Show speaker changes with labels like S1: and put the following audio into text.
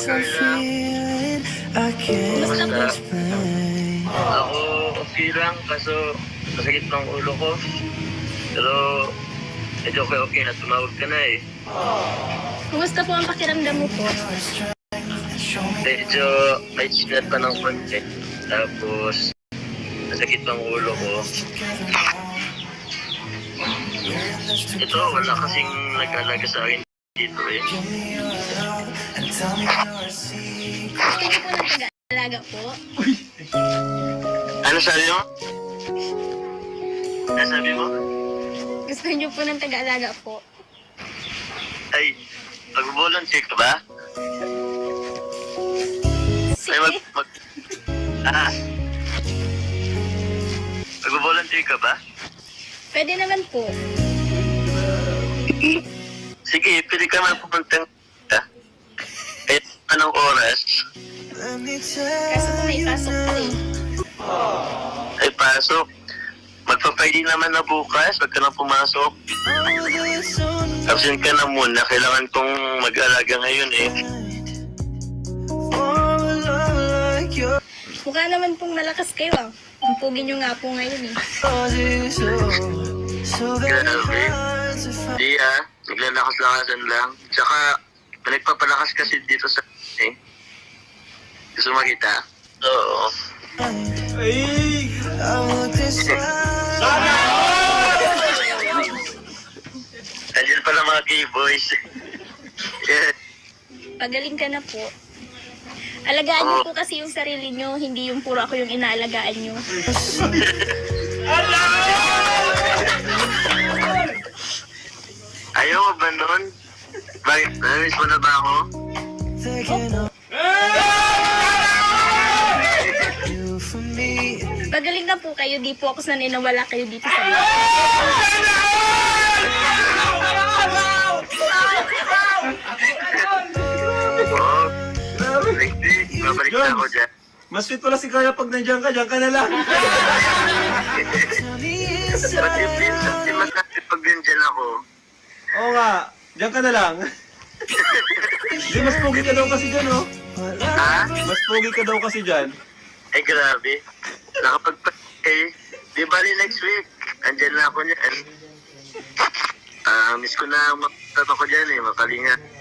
S1: Carla. Kumusta? Ako, okay lang, kaso masakit ng ulo ko. Pero, medyo okay na, tumawag ka na eh.
S2: Kumusta po ang pakiramdam mo po?
S1: Medyo may sinat pa ng konti. Tapos, masakit ng ulo ko. Ito, wala kasing nag-alaga sa akin dito eh.
S2: Gusto niyo po ng taga-alaga po?
S1: Ano sabi mo? Ano sabi mo?
S2: Gusto niyo po ng taga-alaga po?
S1: Ay, mag-volunteer ka ba? Ay,
S2: Sige.
S1: Mag-volunteer ka ba?
S2: Pwede naman po.
S1: Sige, pwede ka man pumunta. Kahit anong oras.
S2: Kaso po may pasok po eh.
S1: Ay, pasok. Magpa-Friday naman na bukas. Wag ka na pumasok. Absent ka na muna. Kailangan kong mag-alaga ngayon eh.
S2: Mukha naman pong malakas kayo ah. Ang pugi niyo nga po ngayon eh.
S1: Grabe. Hindi ah. Naglalakas-lakasan lang. Tsaka, nagpapalakas kasi dito sa eh. Gusto makita? Oo.
S3: Ay!
S1: Andiyan pala mga gay boys. Yeah.
S2: Pagaling ka na po. Alagaan niyo po kasi yung sarili niyo, hindi yung puro ako yung inaalagaan niyo.
S1: Ayaw mo ba nun? Bakit? Namiss mo na ba ako?
S2: Pagaling na po kayo, di po ako naninawala kayo dito sa mga.
S1: Oo. Hindi. Babalik na ako dyan.
S3: Mas fit pala si Kaya pag nandiyan ka na lang.
S1: Ba't yung pinsan? Di mas natin pag dyan ako.
S3: Oo nga, diyan ka na lang. Di, mas pogi ka daw kasi dyan, oh.
S1: Ha?
S3: Mas pogi ka daw kasi dyan.
S1: Ay, grabe. Nakapagpatay. Di bali next week. Andyan na ako niyan. Miss ko na makatap ako dyan eh, makalinga.